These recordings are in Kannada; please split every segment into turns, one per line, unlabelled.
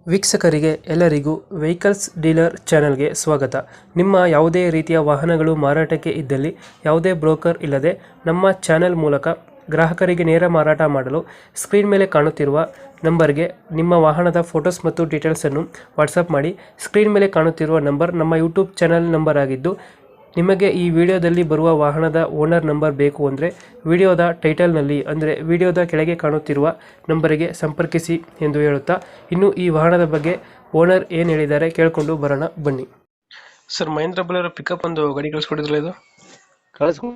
ವೀಕ್ಷಕರಿಗೆ ಎಲ್ಲರಿಗೂ ವೆಹಿಕಲ್ಸ್ ಡೀಲರ್ ಚಾನೆಲ್ಗೆ ಸ್ವಾಗತ. ನಿಮ್ಮ ಯಾವುದೇ ರೀತಿಯ ವಾಹನಗಳು ಮಾರಾಟಕ್ಕೆ ಇದ್ದಲ್ಲಿ ಯಾವುದೇ ಬ್ರೋಕರ್ ಇಲ್ಲದೆ ನಮ್ಮ ಚಾನೆಲ್ ಮೂಲಕ ಗ್ರಾಹಕರಿಗೆ ನೇರ ಮಾರಾಟ ಮಾಡಲು ಸ್ಕ್ರೀನ್ ಮೇಲೆ ಕಾಣುತ್ತಿರುವ ನಂಬರ್ಗೆ ನಿಮ್ಮ ವಾಹನದ ಫೋಟೋಸ್ ಮತ್ತು ಡೀಟೇಲ್ಸನ್ನು ವಾಟ್ಸಪ್ ಮಾಡಿ. ಸ್ಕ್ರೀನ್ ಮೇಲೆ ಕಾಣುತ್ತಿರುವ ನಂಬರ್ ನಮ್ಮ ಯೂಟ್ಯೂಬ್ ಚಾನೆಲ್ ನಂಬರ್ ಆಗಿದ್ದು, ನಿಮಗೆ ಈ ವಿಡಿಯೋದಲ್ಲಿ ಬರುವ ವಾಹನದ ಓನರ್ ನಂಬರ್ ಬೇಕು ಅಂದರೆ ವಿಡಿಯೋದ ಟೈಟಲ್ನಲ್ಲಿ ಅಂದರೆ ವಿಡಿಯೋದ ಕೆಳಗೆ ಕಾಣುತ್ತಿರುವ ನಂಬರಿಗೆ ಸಂಪರ್ಕಿಸಿ ಎಂದು ಹೇಳುತ್ತಾ, ಇನ್ನು ಈ ವಾಹನದ ಬಗ್ಗೆ ಓನರ್ ಏನು ಹೇಳಿದ್ದಾರೆ ಕೇಳಿಕೊಂಡು ಬರೋಣ ಬನ್ನಿ. ಸರ್, ಮಹೇಂದ್ರ ಬೊಲೆರೋ ಪಿಕಪ್ ಒಂದು ಗಾಡಿ ಕಳಿಸ್ಕೊಟ್ಟಿದ್ರಲ್ಲ, ಇದು
ಕಳಿಸ್ಕೊ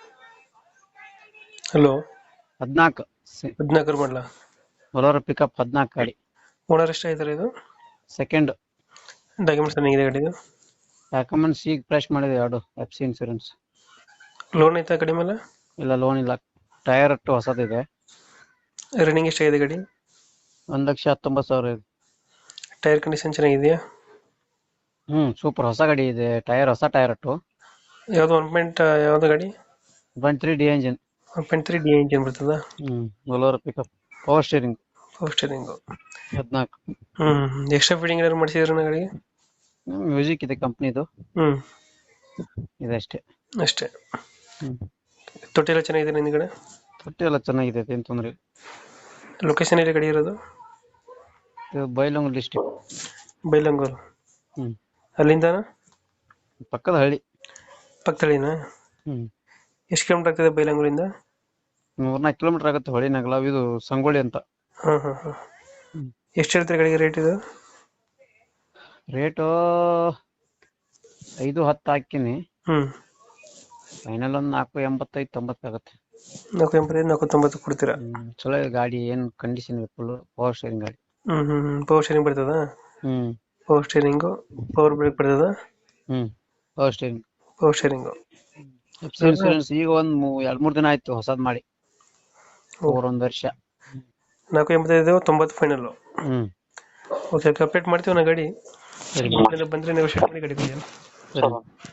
ಹಲೋ
14
14 ಮಾಡಲ
ಬೊಲೊರೋ ಪಿಕಪ್ 14 ಗಾಡಿ.
ಓನರ್ ಎಷ್ಟಾಗಿದ್ದಾರೆ? ಇದು
ಸೆಕೆಂಡ್
ಡಾಕ್ಯುಮೆಂಟ್ಸ್ ಏನಿದೆ ಗಾಡಿದು?
ಡಾಕ್ಯುಮೆಂಟ್ಸ್ ಈಗ ಫ್ರೆಶ್ ಮಾಡಿದೆ, ಎರಡು FC ಇನ್ಸೂರೆನ್ಸ್.
ಲೋನ್ ಐತಾ ಗಾಡಿ ಮೇಲೆ?
ಇಲ್ಲ, ಲೋನ್ ಇಲ್ಲ. ಟೈರ್ ಅಟ್ಟು ಹೊಸದಿದೆ.
ರನ್ನಿಂಗ್ ಎಷ್ಟಾಗಿದೆ ಗಾಡಿ?
1,19,000 ಇದೆ.
ಟೈರ್ ಕಂಡೀಷನ್ ಚೆನ್ನಾಗಿದೆಯಾ?
ಸೂಪರ್ ಹೊಸ ಗಾಡಿ ಇದೆ. ಟೈರ್ ಹೊಸ ಟೈರ್ ಅಟ್ಟು.
ಯಾವುದು ಯಾವುದು ಗಾಡಿ?
1.3D engine.
1.3D ಇಂಜಿನ್ ಬರ್ತದ?
Bolero pickup power steering.
Power steering.
14.
Extra fitting ಏನಾದ್ರು ಮಾಡಿಸಿದ್ರ ಗಾಡಿಗೆ?
ಮ್ಯೂಸಿಕ್ ಇದೆ ಕಂಪ್ನಿದು. ಇದಷ್ಟೇ.
ಅಷ್ಟೇ. ತೊಟ್ಟಿ ಎಲ್ಲ ಚೆನ್ನಾಗಿದೆ ಹಿಂದ್ಗಡೆ?
ತೊಟ್ಟಿ ಎಲ್ಲ ಚೆನ್ನಾಗಿದೆ, ಏನ್ ತೊಂದ್ರೆ ಇಲ್ಲ.
ಲೊಕೇಶನ್ ಎಲ್ಲಿ ಗಾಡಿ ಇರೋದು?
ಇದು ಬೈಲಹೊಂಗಲ ಡಿಸ್ಟಿಕ್.
ಬೈಲಹೊಂಗಲ. ಅಲ್ಲಿಂದ
ಪಕ್ಕದ ಹಳ್ಳಿ.
ಪಕ್ಕದಳ್ಳಿನಾ? ಎಷ್ಟು ಕಿಲೋಮೀಟರ್ ಆಗ್ತದೆ ಬೈಲಹೊಂಗಲಿಂದ?
3-4 ಕಿಲೋಮೀಟರ್ ಆಗುತ್ತೆ. ಹೊಳಿ ನಗಲ, ಇದು ಸಂಗೊಳ್ಳಿ ಅಂತ.
ಎಷ್ಟು ಹೇಳ್ತೀರಿ ಗಾಡಿಗೆ ರೇಟ್ ಇದು?
ರೇಟು 5-10 ಹಾಕಿನಿ. ಫೈನಲ್ ಒಂದು 485-90 ಆಗುತ್ತೆ.
485-490 ಕೊಡ್ತೀರಾ?
ಚಲೋ ಇದೆ ಗಾಡಿ, ಏನ್ ಕಂಡೀಷನ್ ಇದೆ, ಫುಲ್ ಪವರ್ ಸ್ಟೇರಿಂಗ್ ಗಾಡಿ.
ಪವರ್ ಸ್ಟೇರಿಂಗ್ ಬರ್ತದ? ಪವರ್ ಸ್ಟೇರಿಂಗು, ಪವರ್ ಬ್ರೇಕ್ ಬರ್ತದ?
Power steering.
Power steering.
Insurance ಈಗ ಒಂದು 2-3 ದಿನ ಆಯ್ತು ಹೊಸದ್ ಮಾಡಿ. 1 ವರ್ಷ.
485-90 ಫೈನಲ್. ಓಕೆ, ಅಪ್ಡೇಟ್ ಮಾಡ್ತೀವಿ ನಾ ಗಾಡಿ.
ಸರಿ.
ಬಂದ್ರೆ ನೆಗೋಷಿಯೇಟ್ ಮಾಡಿ ಗಾಡಿ ಕೊಡಿ.